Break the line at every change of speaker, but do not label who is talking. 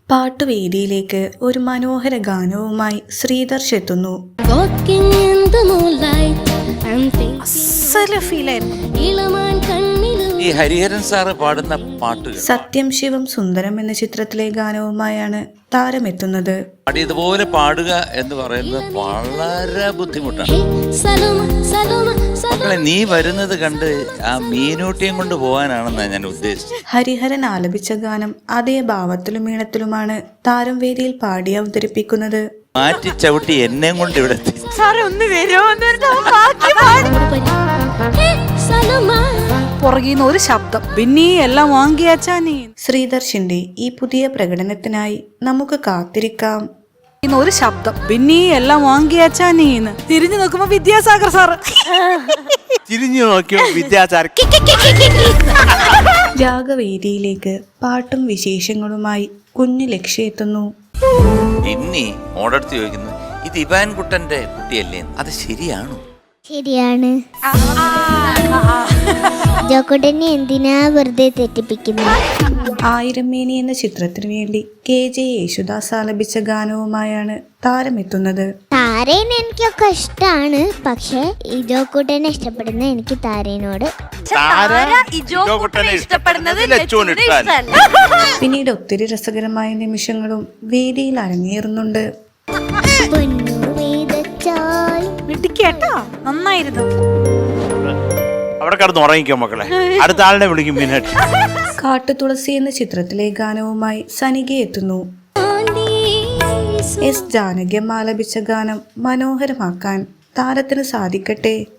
പാട്ടുവേദിയിലേക്ക് ഒരു മനോഹര ഗാനവുമായി ശ്രീദർശ് എത്തുന്നു.
ഈ ഹരിഹരൻ സാറ് പാടുന്ന പാട്ടുകൾ
സത്യം ശിവം സുന്ദരം എന്ന ചിത്രത്തിലെ ഗാനവുമായാണ് താരമെത്തുന്നത്.
ഇതുപോലെ പാടുക എന്ന് പറയുന്നത് വളരെ ബുദ്ധിമുട്ടാണ്. മക്കളെ, നീ വരുന്നത് കണ്ട് ആ മീനൂട്ടിയും കൊണ്ട് പോകാനാണെന്നാണ് ഞാൻ ഉദ്ദേശിച്ചത്.
ഹരിഹരൻ ആലപിച്ച ഗാനം അതേ ഭാവത്തിലും ഈണത്തിലുമാണ് താരം വേദിയിൽ പാടി അവതരിപ്പിക്കുന്നത്.
മാറ്റി ചവിട്ടി എന്നെയും കൊണ്ട് ഇവിടെ എത്തി.
പുറകിന്ന് ഒരു ശബ്ദം, പിന്നെ എല്ലാം വാങ്ങിയാച്ചാ നീ.
ശ്രീദർശിന്റെ ഈ പുതിയ പ്രകടനത്തിനായി നമുക്ക് കാത്തിരിക്കാം.
ഒരു ശബ്ദം, പിന്നെ എല്ലാം വാങ്ങിയാച്ചാ നീന്ന്. തിരിഞ്ഞു നോക്കുമ്പോ വിദ്യാസാഗർ സാറ്.
തിരിഞ്ഞു നോക്കിയോ വിദ്യാസാഗർ.
രാഗവേദിയിലേക്ക് പാട്ടും വിശേഷങ്ങളുമായി കുഞ്ഞു ലക്ഷ്യ എത്തുന്നു.
ഇനി ഓടടുത്ത് ചോദിക്കുന്നു, ഇത് ഇവാൻ കുട്ടന്റെ കുട്ടിയല്ലേ? അത് ശരിയാണോ?
ശരിയാണ്. ജോക്കുട്ടനെ എന്തിനാ വെറുതെ തെറ്റിപ്പിക്കുന്നത്?
ആയിരം മേനി എന്ന ചിത്രത്തിനു വേണ്ടി KJ യേശുദാസ് ആലപിച്ച ഗാനവുമായാണ് താരമെത്തുന്നത്.
താരേനെ എനിക്കൊക്കെ ഇഷ്ടമാണ്, പക്ഷെ ഈ ജോക്കുട്ടനെ ഇഷ്ടപ്പെടുന്ന എനിക്ക് താരേനോട്.
പിന്നീട് ഒത്തിരി രസകരമായ നിമിഷങ്ങളും വേദിയിൽ അരങ്ങേറുന്നുണ്ട്.
നന്നായിരുന്നു.
അവിടെ കിടന്ന് ഉറങ്ങിക്കോ മക്കളെ, അടുത്ത ആളിനെ വിളിക്കും. മീനാക്ഷി.
കാട്ടുതുളസി എന്ന ചിത്രത്തിലെ ഗാനവുമായി സനിക എത്തുന്നു. S. ജാനകി ആലപിച്ച ഗാനം മനോഹരമാക്കാൻ താരത്തിന് സാധിക്കട്ടെ.